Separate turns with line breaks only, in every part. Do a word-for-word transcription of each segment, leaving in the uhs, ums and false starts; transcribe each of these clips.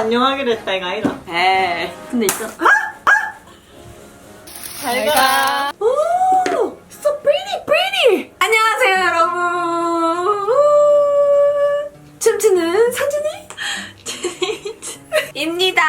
안녕하기로 했다 이거 아니다.
에이. 근데 있잖아.
잘 가.
오, so pretty, pretty. 안녕하세요, 여러분. 춤추는 서준이 입니다.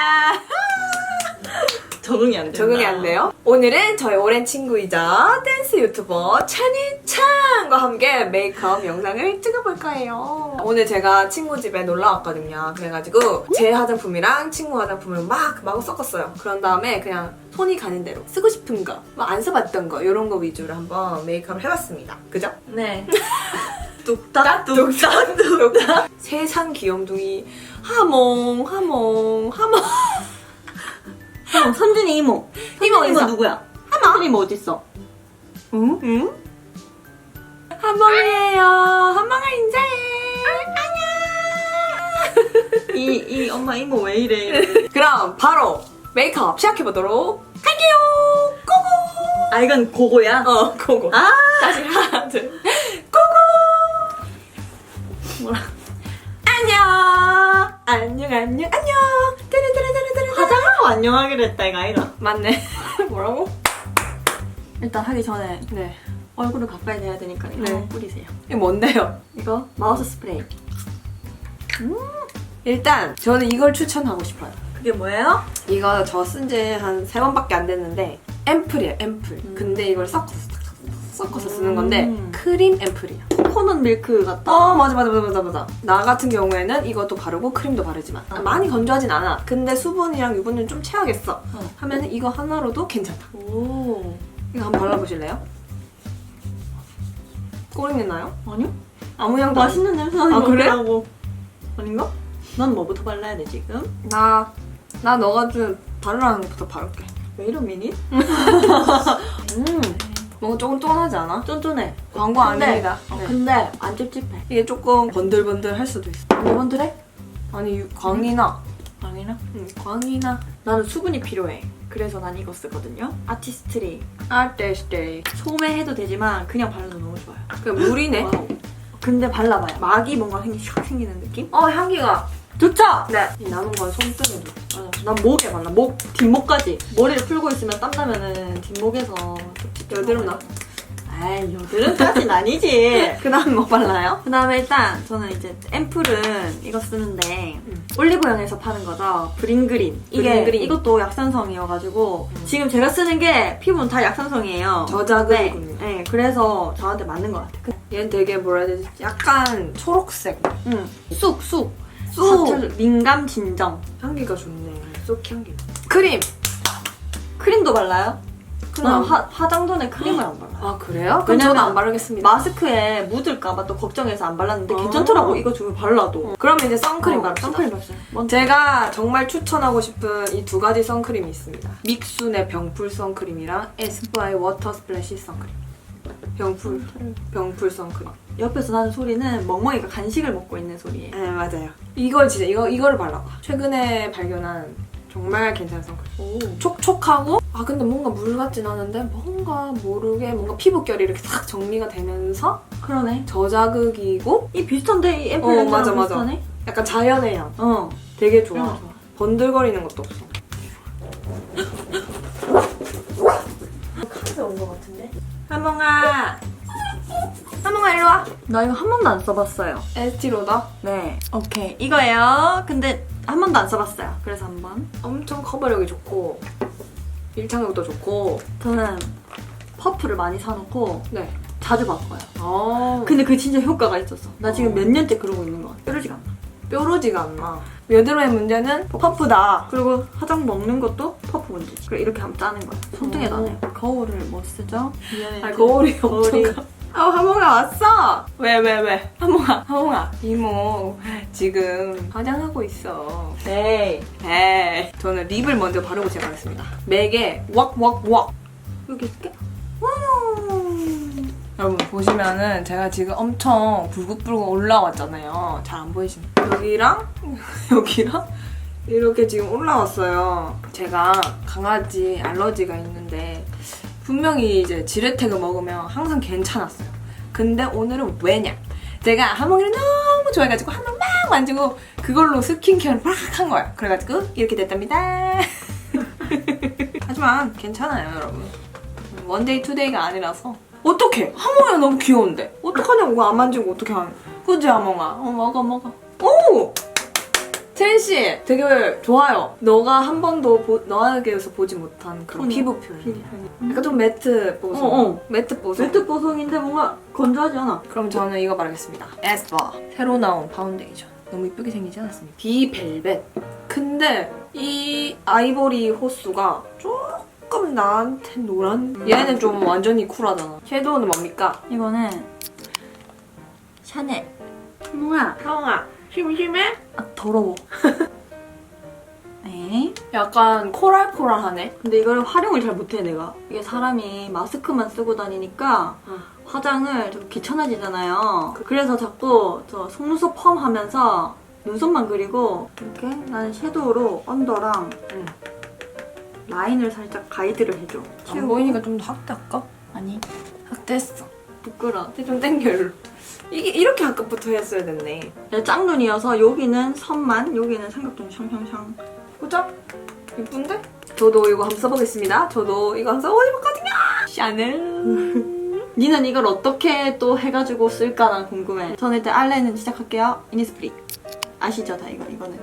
적응이 안 된다.
적응이 안 돼요? 오늘은 저희 오랜 친구이자 댄스 유튜버 찬이찬과 함께 메이크업 영상을 찍어볼 거예요. 오늘 제가 친구 집에 놀러 왔거든요. 그래가지고 제 화장품이랑 친구 화장품을 막 마구 섞었어요. 그런 다음에 그냥 손이 가는 대로 쓰고 싶은 거, 뭐 안 써봤던 거 이런 거 위주로 한번 메이크업을 해봤습니다. 그죠?
네. 뚝딱 뚝딱
뚝딱 세상 귀염둥이 하몽 하몽 하몽
형, 선준이 이모.
이모
이모
인사.
누구야? 하마. 이모 어딨어? 응?
응? 하몽이에요. 하몽아 인사해. 안녕.
이, 이 엄마 이모 왜 이래?
그럼 바로 메이크업 시작해보도록 할게요. 고고.
아, 이건 고고야?
어, 고고.
아!
다시 하나, 둘. 고고.
뭐라?
안녕. 안녕, 안녕, 안녕. 뜨르뜨르뜨르뜨르.
화장하고 안녕하기로 했다 이거 아니다.
맞네. 뭐라고?
일단 하기 전에
네.
얼굴을 가까이 대야 되니까 이거
네.
뿌리세요.
이게 뭔데요?
이거 마우스 스프레이.
일단 저는 이걸 추천하고 싶어요.
그게 뭐예요?
이거 저 쓴 지 한 세 번밖에 안 됐는데 앰플이에요, 앰플.
음.
근데 이걸 섞어서 섞어서 쓰는 건데
음.
크림 앰플이야.
코코넛 밀크 같다.
어 맞아 맞아 맞아 맞아 맞아. 나 같은 경우에는 이것도 바르고 크림도 바르지만
어.
많이 건조하진 않아. 근데 수분이랑 유분을 좀 채워야겠어
어.
하면은 이거 하나로도 괜찮다.
오.
이거 한번 발라보실래요? 꼬리내 나요?
아니요?
아무 향도 안
맛있는 냄새 나는
아,
거
그래?
같더라고. 아닌가? 난 뭐부터 발라야 돼 지금?
나, 나 너가 좀 바르라는 것부터 바를게.
왜 이런 미니?
음, 뭔가 조금 쫀하지 않아?
쫀쫀해.
광고
근데,
아닙니다.
어,
네.
근데 안 찝찝해.
이게 조금 번들번들 할 수도 있어.
번들번들해?
아니, 유- 광이나.
아니나?
응, 광이나.
나는 수분이 필요해. 그래서 난 이거 쓰거든요. 아티스트리.
아떼스테이.
소매해도 되지만 그냥 발라도 너무 좋아요.
그 물이네.
와우. 근데 발라봐요. 막이 뭔가 생기, 샥 생기는 느낌?
어, 향기가.
좋죠?
네. 이 남은 건 손등에도.
맞아. 난 목에 발라. 목, 뒷목까지. 머리를 풀고 있으면 땀나면은 뒷목에서
여드름 나.
아이, 여드름까진 아니지.
그 다음 뭐 발라요?
그 다음에 일단 저는 이제 앰플은 이거 쓰는데
음.
올리브영에서 파는 거죠. 브링그린. 이게
브링그린.
이것도 약산성이어가지고
음.
지금 제가 쓰는 게 피부는 다 약산성이에요.
저자극이군요.
네, 네, 그래서 저한테 맞는 것 같아요.
얘는 되게 뭐라 해야 되지? 약간 초록색.
응. 쑥, 쑥.
쑥.
사철, 민감 진정.
향기가 좋네. 쑥 향기. 크림.
크림도 발라요?
크림
난
안
화, 화장 전에 크림을 안 발라요.
아, 그래요? 그럼
왜냐면
저도 안 바르겠습니다.
마스크에 묻을까봐 또 걱정해서 안 발랐는데
아.
괜찮더라고. 이거 주면 발라도.
그러면 이제 선크림
어,
바릅시다.
선크림 발랐어요. 먼저.
제가 정말 추천하고 싶은 이 두 가지 선크림이 있습니다. 믹순의 병풀 선크림이랑 에스쁘아의 워터 스플래시 선크림. 병풀, 병풀 선크림.
옆에서 나는 소리는 멍멍이가 간식을 먹고 있는 소리예요.
네, 맞아요. 이걸 진짜, 이거, 이거를 발라봐. 최근에 발견한 정말 괜찮은 선크림.
오.
촉촉하고, 아, 근데 뭔가 물 같진 않은데, 뭔가 모르게 뭔가 피부결이 이렇게 싹 정리가 되면서
그러네.
저자극이고,
이 비슷한데 이 앰플
어,
냄새랑
맞아, 맞아.
비슷하네?
약간 자연의 향.
어.
되게 좋아.
좋아. 좋아.
번들거리는 것도 없어. 카드 온 것 같은데? 하몽아! 하몽아, 일로 와!
나 이거 한 번도 안 써봤어요.
에스티로더?
네. 오케이. 이거예요. 근데 한 번도 안 써봤어요. 그래서 한 번.
엄청 커버력이 좋고, 밀착력도 좋고,
저는 퍼프를 많이 사놓고
네.
자주 바꿔요.
아,
근데 그게 진짜 효과가 있었어. 나 지금
어.
몇 년째 그러고 있는 것 같아. 뾰루지가 안 나.
뾰루지가 안 나. 여드름의 문제는 퍼프다.
그리고 화장 먹는 것도 퍼프 문제지. 그래 이렇게 하면 짜는 거야. 손등에도 안 해요. 거울을 뭐 쓰죠? 미안해.
아, 거울이
거울이.
없어가. 아, 하몽아 왔어! 왜, 왜, 왜? 하몽아, 하몽아. 이모, 지금 화장하고 있어.
에이.
에이. 저는 립을 먼저 바르고 시작하겠습니다. 맥에 왁왁왁.
여기 있게?
여러분 보시면은 제가 지금 엄청 불긋불긋 올라왔잖아요. 잘 안 보이십니까? 여기랑 여기랑 이렇게 지금 올라왔어요. 제가 강아지 알러지가 있는데 분명히 이제 지레텍을 먹으면 항상 괜찮았어요. 근데 오늘은 왜냐? 제가 하몽이를 너무 좋아해가지고 하몽 막 만지고 그걸로 스킨케어를 팍 한 거야. 그래가지고 이렇게 됐답니다. 하지만 괜찮아요, 여러분. 원데이 투데이가 아니라서. 어떡해! 하몽이가 너무 귀여운데. 어떡하냐고, 이거 안 만지고 어떻게 하냐. 그지, 하몽아? 어, 먹어, 먹어. 오! 채린씨, 되게 좋아요. 너가 한 번도 보, 너에게서 보지 못한 그런
톤이.
피부 표현.
피부.
약간 좀 매트 보송.
어, 어.
매트 보송.
매트 보송인데 뭔가 건조하지 않아.
그럼 저는 이거 바르겠습니다. 에스쁘아. 새로 나온 파운데이션. 너무 이쁘게 생기지 않았습니까? 비벨벳. 근데 이 아이보리 호수가 조금 나한테 노란? 얘는 좀 완전히 쿨하잖아. 섀도우는 뭡니까?
이거는 샤넬. 하몽아.
하몽아, 심심해?
아, 더러워. 에?
약간 코랄코랄하네.
근데 이걸 활용을 잘 못해 내가. 이게 사람이 마스크만 쓰고 다니니까
응.
화장을 좀 귀찮아지잖아요. 그래서 자꾸 저 속눈썹 펌 하면서 눈썹만 그리고 이렇게 나는 섀도우로 언더랑
응.
라인을 살짝 가이드를 해줘.
안 보이니까 좀 더 확대할까?
아니
확대했어.
부끄러워.
근데 좀 땡겨, 일로. 이게 이렇게 아까부터 했어야 됐네.
내가 짝눈이어서 여기는 선만, 여기는 삼각존 샹샹샹.
보자. 이쁜데? 저도 이거 한번 써보겠습니다. 저도 이거 한번 써보거든요. 샤넬.
니는 이걸 어떻게 또 해가지고 쓸까 난 궁금해. 저는 일단 알레는 시작할게요. 이니스프리. 아시죠 다 이거 이거는.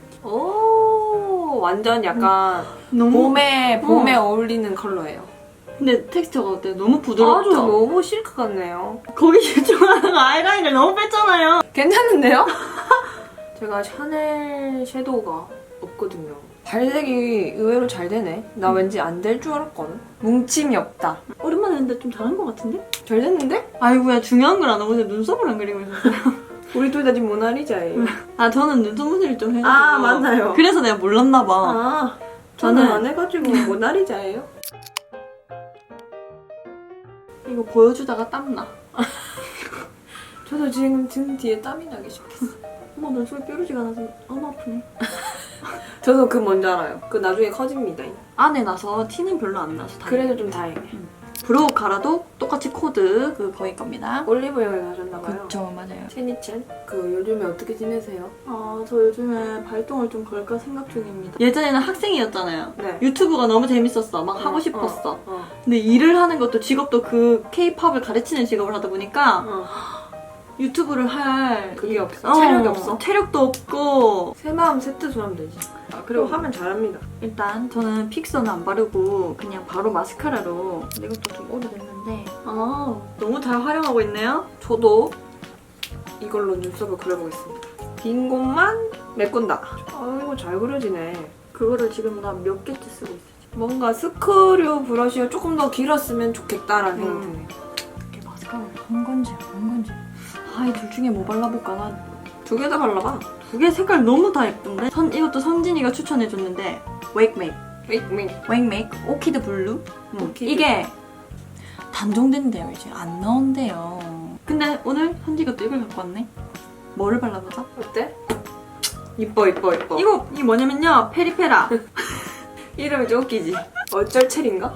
오, 완전 약간
너무
봄에
어.
봄에 어울리는 컬러예요.
근데 텍스처가 어때? 너무 부드럽죠?
아주 너무 실크 같네요.
거기 집중하다가 아이라인을 너무 뺐잖아요.
괜찮은데요? 제가 샤넬 섀도우가 없거든요. 발색이 의외로 잘 되네. 나
음.
왠지 안 될 줄 알았거든. 뭉침이 없다.
오랜만에 했는데 좀 잘한 것 같은데?
잘 됐는데?
아이고야 중요한 걸 안 하고 그냥 눈썹을 안 그리고 있었어요.
우리 둘 다 지금 모나리자예요.
아 저는 눈썹 무늬를 좀 해가지고.
아, 맞나요?
그래서 내가 몰랐나 봐.
아, 저는
저는-
안 해가지고 모나리자예요.
이거 보여주다가 땀나.
저도 지금 등 뒤에 땀이 나기 시작했어.
어머 눈썹이 뾰루지가 나서 너무 아프네.
저도 그 뭔지 알아요. 그 나중에 커집니다.
안에 나서 티는 별로 안 나서 다행이에요.
그래도 좀 다행이에요.
브로우 가라도 똑같이 코드 그 거기 겁니다.
올리브영에 가셨나봐요.
그쵸 맞아요.
체니첸? 그 요즘에 어떻게 지내세요?
아, 저 요즘에 발동을 좀 걸까 생각 중입니다. 예전에는 학생이었잖아요.
네.
유튜브가 너무 재밌었어. 막
어,
하고 싶었어.
어, 어.
근데 일을 하는 것도 직업도 그 케이팝을 가르치는 직업을 하다 보니까
어.
유튜브를 할
그게
이-
없어? 체력이 없어?
체력도 없고.
새 마음 새 뜻으로 하면 되지.
아,
그리고
그리고
하면 잘합니다.
일단 저는 픽서는 안 바르고 그냥 바로 마스카라로. 근데 이것도 좀 오래됐는데. 아, 너무 잘 활용하고 있네요.
저도 이걸로 눈썹을 그려보겠습니다. 빈 곳만 메꾼다. 아이고 잘 그려지네.
그거를 지금 나 몇 개째 쓰고 있어.
뭔가 스크류 브러쉬가 조금 더 길었으면 좋겠다라는
음.
생각이 드네요.
이게 마스카라를 한 건지 안 한 건지. 아, 이 둘 중에 뭐 발라볼까? 나
두 개 다 발라봐.
두 개 색깔 너무 다 예쁜데? 선, 이것도 선진이가 추천해줬는데 웨이크메이크
웨이크메이크.
웨이크메이크 오키드 블루? 음,
오키드.
이게 단종된대요 이제 안 나온대요. 근데 오늘 현지가 또 이걸 갖고 왔네. 뭐를 발라보자?
어때? 이뻐 이뻐 이뻐.
이거 이 뭐냐면요 페리페라.
이름이 좀 웃기지? 어쩔 체리인가?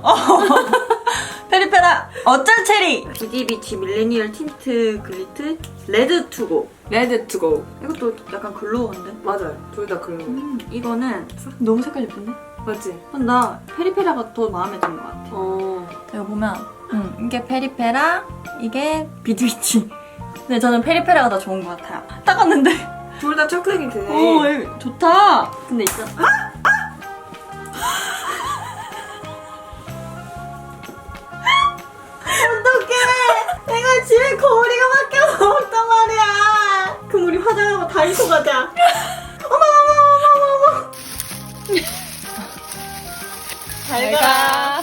페리페라 어쩔 체리 비디비치 밀레니얼 틴트 글리트 레드 투고.
레드 투고.
이것도 약간 글로우인데.
맞아요. 둘 다 그런 거.
음, 이거는 너무 색깔 예쁜데?
맞지?
나 페리페라가 더 마음에 드는 것 같아.
어.
이거 보면 음, 이게 페리페라, 이게 비드위치. 근데 저는 페리페라가 더 좋은 것 같아요. 닦았는데
둘 다 착하게
오,
되네.
예, 좋다. 근데 있잖아. 어떡해. 내가 집에 거울이가 밖에 없단 말이야. 그럼 우리 화장하고 다이소 가자. 어머 어머 어머 어머. 잘 가.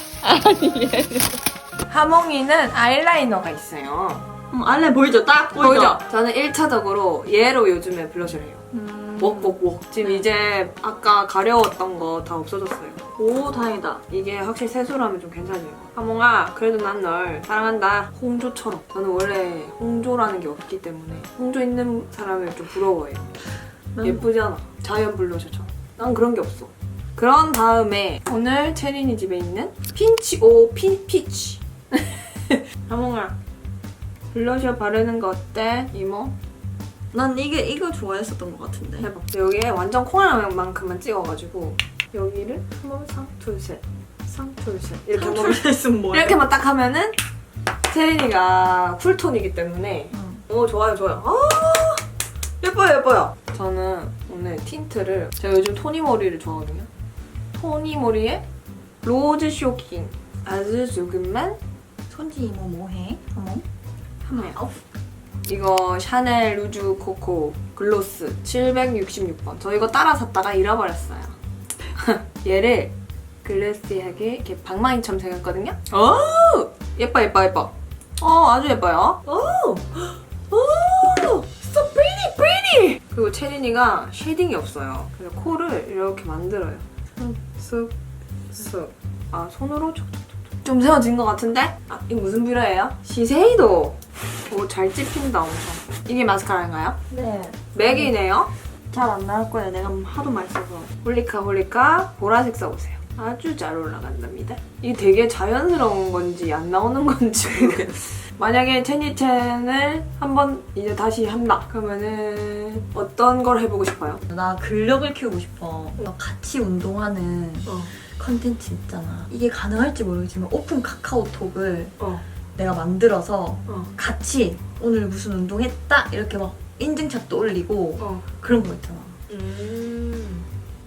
하몽이는 아이라이너가 있어요.
음, 알레 보이죠? 딱 보이죠?
보이죠? 저는 일 차적으로 얘로 요즘에 블러셔를 해요.
음.
웍웍웍. 지금 이제 아까 가려웠던 거 다 없어졌어요.
오, 다행이다.
이게 확실히 세수로 하면 좀 괜찮아요. 하몽아, 그래도 난 널 사랑한다. 홍조처럼. 저는 원래 홍조라는 게 없기 때문에 홍조 있는 사람을 좀 부러워해요.
음.
예쁘지 않아? 자연 블러셔처럼. 난 그런 게 없어. 그런 다음에 오늘 체린이 집에 있는 핀치 오 핀 피치. 하몽아, 블러셔 바르는 거 어때? 이모?
난 이게 이거 좋아했었던 것 같은데.
해봐. 여기에 완전 콩알만큼만 찍어가지고 여기를 한 번 상, 둘, 셋, 상, 둘, 셋 이렇게 한 번
상출레슨 뭐야?
이렇게만 딱 하면은 체린이가 쿨톤이기 때문에
응.
오 좋아요 좋아요. 아 예뻐요 예뻐요. 저는 오늘 틴트를 제가 요즘 토니 머리를 좋아하거든요. 토니 머리에 로즈 쇼킹 아주 조금만
손지 이모 뭐해? 어머.
하나요. 이거 샤넬 루즈 코코 글로스 칠백육십육 번. 저 이거 따라 샀다가 잃어버렸어요. 얘를 글래시하게 이렇게 방망이처럼 생겼거든요. 오! 예뻐 예뻐 예뻐. 어 아주 예뻐요. 오! 오! So pretty pretty! 그리고 체린이가 쉐딩이 없어요. 그래서 코를 이렇게 만들어요. 쓱 쓱. 아 손으로 촉촉촉촉. 좀 세워진 것 같은데? 아 이거 무슨 뷰러예요? 시세이도. 오 잘 찝힌다 엄청. 이게 마스카라인가요?
네.
맥이네요.
잘 안 나올 거예요. 내가 하도 많이 써서.
홀리카 홀리카 보라색 써보세요. 아주 잘 올라간답니다. 이게 되게 자연스러운 건지 안 나오는 건지 모르겠어요. 만약에 체니첸을 한번 이제 다시 한다 그러면은 어떤 걸 해보고 싶어요?
나 근력을 키우고 싶어. 같이 운동하는
어.
컨텐츠 있잖아. 이게 가능할지 모르겠지만 오픈 카카오톡을
어.
내가 만들어서
어.
같이 오늘 무슨 운동했다 이렇게 막 인증샷도 올리고
어.
그런 거 있잖아.
음.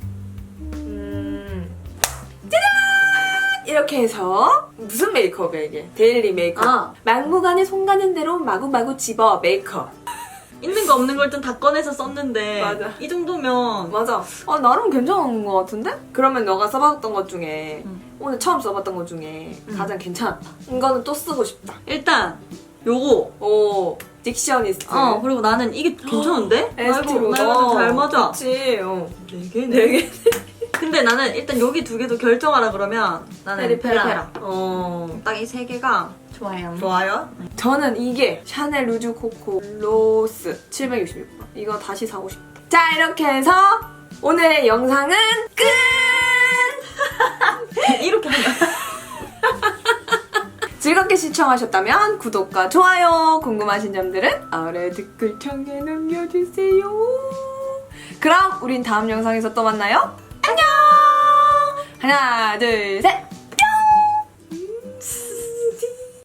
음. 짜잔! 이렇게 해서 무슨 메이크업이야 이게? 데일리 메이크업.
아.
막무가내 손 가는 대로 마구마구 집어 메이크업.
있는 거 없는 걸 일단 다 꺼내서 썼는데
맞아.
이 정도면
맞아. 어, 나름 괜찮은 것 같은데? 그러면 너가 써봤던 것 중에
응.
오늘 처음 써봤던 것 중에
응.
가장 괜찮았다. 이거는 또 쓰고 싶다.
일단 요거
오, 딕셔니스트.
어 그리고 나는 이게 괜찮은데?
에스티로.
나 이거 잘 맞아.
그치. 어.
네 개? 네 개? 근데 나는 일단 여기 두 개도 결정하라 그러면 나는
페리페라.
페리페라.
어.
딱 이 세 개가 좋아요.
좋아요? 저는 이게 샤넬 루즈 코코 로스 칠백육십육 번. 이거 다시 사고 싶다. 자, 이렇게 해서 오늘의 영상은 끝!
이렇게 하면
즐겁게 시청하셨다면 구독과 좋아요, 궁금하신 점들은 아래 댓글창에 남겨주세요. 그럼 우린 다음 영상에서 또 만나요. 안녕! 하나, 둘, 셋!